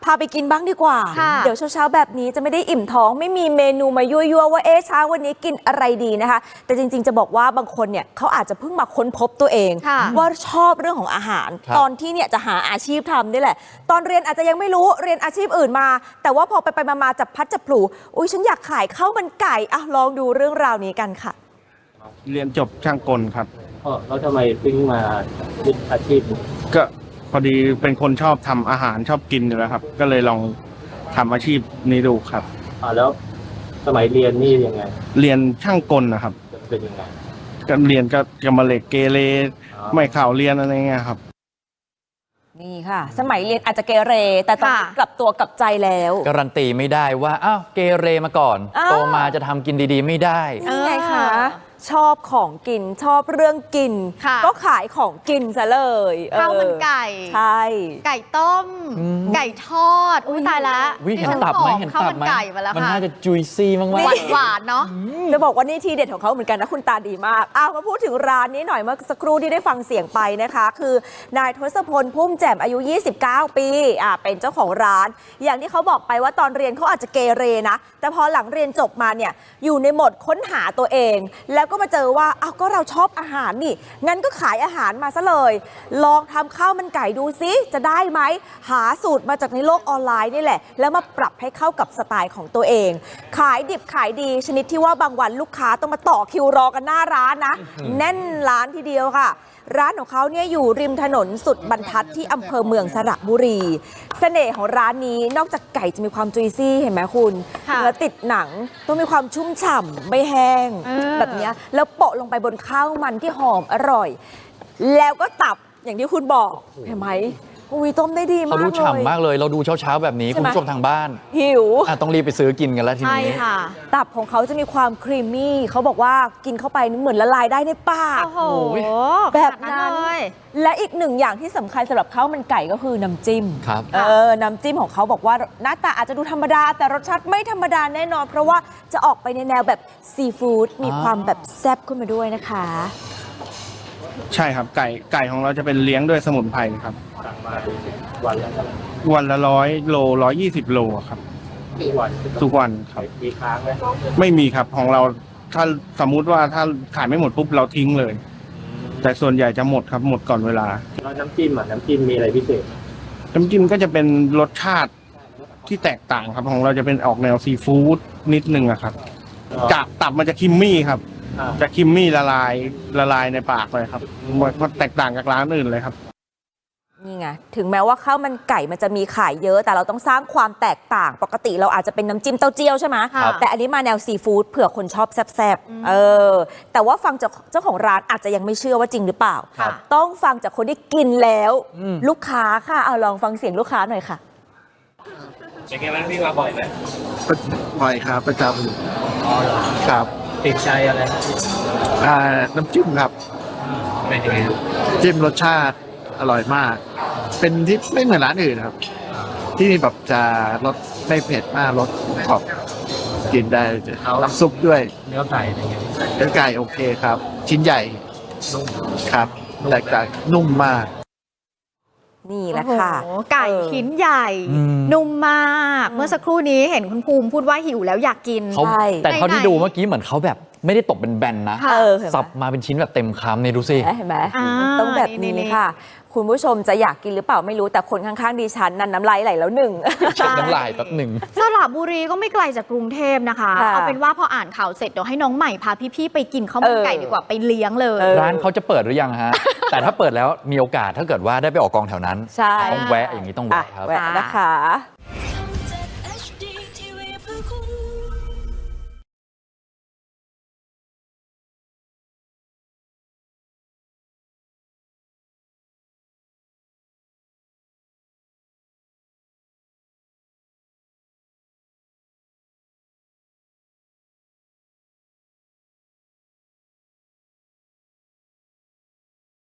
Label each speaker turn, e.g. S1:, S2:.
S1: าไปกินบ้างดีกว่า เดี๋ยวเช้าๆแบบนี้จะไม่ได้อิ่มท้องไม่มีเมนูมายั่วๆว่าเช้าวันนี้กินอะไรดีนะคะแต่จริงๆจะบอกว่าบางคนเนี่ยเขาอาจจะเพิ่งมาค้นพบตัวเองว่าชอบเรื่องของอาหารตอนที่เนี่ยจะหาอาชีพทำนี่แหละตอนเรียนอาจจะยังไม่รู้เรียนอาชีพอื่นมาแต่ว่าพอไปมาจับพัดจับผลูอุ้ยฉันอยากขายข้าวมันไก่อ่ะลองดูเรื่องราวนี้กันค่ะ
S2: เรียนจบช่างกลครับ
S3: แล้วทำไมถึงมายึดอาชีพ
S2: ก็พอดีเป็นคนชอบทำอาหารชอบกินอยู่แล้วครับก็เลยลองทำอาชีพนี้ดูครับ
S3: แล้วสมัยเรียนนี่ยังไง
S2: เรียนช่างกลนะครับ
S3: เป็นยังไง
S2: ก็เรียนก็กำมะเหล็กเกเรไม่ข่าวเรียนอะไรเงี้ยครับ
S1: นี่ค่ะสมัยเรียนอาจจะเกเรแต่ตอนนี้กลับตัวกลับใจแล้ว
S4: การันตีไม่ได้ว่าอ้าวเกเรมาก่อนโตมาจะทำกินดีๆไม่ได้
S1: นี่ไงคะชอบของกินชอบเรื่องกินก็ขายของกินซะเลย
S5: ข้าวมันไก่
S1: ใช่
S5: ไก่ต้มไก่ทอดอุ้ยตายละ
S4: เห็นตับไหมเห็นตับไหมมันน่าจะจุยซี่มาก
S5: ๆหวานเนาะ
S1: จะบอกว่านี่ทีเด็ดของเขาเหมือนกันนะคุณตาดีมากมาพูดถึงร้านนี้หน่อยเมื่อสักครู่ที่ได้ฟังเสียงไปนะคะคือนายทศพลพุ่มแจ่มอายุ29ปีเป็นเจ้าของร้านอย่างที่เขาบอกไปว่าตอนเรียนเขาอาจจะเกเรนะแต่พอหลังเรียนจบมาเนี่ยอยู่ในโหมดค้นหาตัวเองแล้วก็มาเจอว่าก็เราชอบอาหารนี่งั้นก็ขายอาหารมาซะเลยลองทำข้าวมันไก่ดูซิจะได้ไหมหาสูตรมาจากในโลกออนไลน์นี่แหละแล้วมาปรับให้เข้ากับสไตล์ของตัวเองขายดิบขายดีชนิดที่ว่าบางวันลูกค้าต้องมาต่อคิวรอกันหน้าร้านนะแน่นร้านทีเดียวค่ะร้านของเขาเนี่ยอยู่ริมถนนสุดบรรทัดที่อำเภอเมืองสระบุรีเสน่ห์ของร้านนี้นอกจากไก่จะมีความจุยซี่เห็นไหมคุณเนื้อติดหนังต้องมีความชุ่มฉ่ำไม่แห้งแบบนี้แล้วโปะลงไปบนข้าวมันที่หอมอร่อยแล้วก็ตับอย่างที่คุณบอกเห็นไหมอุ้ยต้มได้ดีมากเลย
S4: เขาดูฉ่ำมากเลยเราดูเช้าๆแบบนี้คุณผู้ชมทางบ้าน
S1: หิว
S4: ต้องรีบไปซื้อกินกันแล้วทีนี้
S1: ตับของเขาจะมีความครีมมี่เขาบอกว่ากินเข้าไปเหมือนละลายได้ในปากแบบนั้นและอีกหนึ่งอย่างที่สำคัญสำหรับข้าวมันไก่ก็คือน้ำจิ้มน้ำจิ้มของเขาบอกว่าหน้าตาอาจจะดูธรรมดาแต่รสชาติไม่ธรรมดาแน่นอนเพราะว่าจะออกไปในแนวแบบซีฟู้ดมีความแบบแซ่บขึ้นมาด้วยนะคะ
S2: ใช่ครับไก่ของเราจะเป็นเลี้ยงด้วยสมุนไพรครับ
S3: สั่งมาวันละ
S2: 100 โล120 โลครับทุกวันครับ
S3: มีค้างไหม
S2: ไม่มีครับของเราถ้าสมมุติว่าถ้าขายไม่หมดปุ๊บเราทิ้งเลยแต่ส่วนใหญ่จะหมดครับหมดก่อนเวลา
S3: แล้วน้ำจิ้มมีอะไรพิเศษ
S2: น้ำจิ้มก็จะเป็นรสชาติที่แตกต่างครับของเราจะเป็นออกแนวซีฟู้ดนิดนึงครับจากตับมันจะคิมมี่ครับจะคิมมี่ละลายในปากเลยครับมันแตกต่างจากร้านอื่นเลยครับ
S1: นี่ไงถึงแม้ว่าข้าวมันไก่มันจะมีขายเยอะแต่เราต้องสร้างความแตกต่างปกติเราอาจจะเป็นน้ำจิ้มเต้าเจี้ยวใช่ไหมแต่อันนี้มาแนวซีฟู้ดเผื่อคนชอบแซ่บๆแต่ว่าฟังจากเจ้าของร้านอาจจะยังไม่เชื่อว่าจริงหรือเปล่าต้องฟังจากคนที่กินแล้วลูกค้าค่ะเอาลองฟังเสียงลูกค้าหน่อยค่ะ
S3: เป็นไงบ้างพี่มาบ่อยไหม
S6: บ่อยครับประจำครับ
S3: ติดใจอะไร
S6: น้ำจิ้มครับจิ้มรสชาติอร่อยมากเป็นที่ไม่เหมือนร้านอื่นครับที่นี่แบบจะรสไม่เผ็ดมากรสขอบกินได้น้ำซุปด้วย
S3: เนื้อไก่เป็นไง
S6: เนื้อไก่โอเคครับชิ้นใหญ่ครับแตกต่างนุ่มมาก
S1: นี่แหละค่ะ
S5: ไก่ชิ้นใหญ่นุ่มมากเมื่อสักครู่นี้เห็นคุณภูมิพูดว่าหิวแล้วอยากกิน
S4: แต่เท่าที่ดูเมื่อกี้เหมือนเขาแบบไม่ได้ตบเป็นแบนนะสับมาเป็นชิ้นแบบเต็มคำนี่ดูสิ
S1: เห็นไหมต้องแบบนี้ค่ะคุณผู้ชมจะอยากกินหรือเปล่าไม่รู้แต่คนข้างๆดิฉันนั้นน้ำลายไหลแล้วหนึ่ง
S4: น้ำลายแป๊บหนึ่ง
S5: สระบุรีก็ไม่ไกลจากกรุงเทพนะคะเอาเป็นว่าพออ่านข่าวเสร็จเดี๋ยวให้น้องใหม่พาพี่ๆไปกินข้าวมันไก่ดีกว่าไปเลี้ยงเลย
S4: ร้านเขาจะเปิดหรือยังฮะแต่ถ้าเปิดแล้วมีโอกาสถ้าเกิดว่าได้ไปออกกองแถวนั้นต้องแวะอย่างนี้ต้องแวะครับ
S1: แวะนะคะ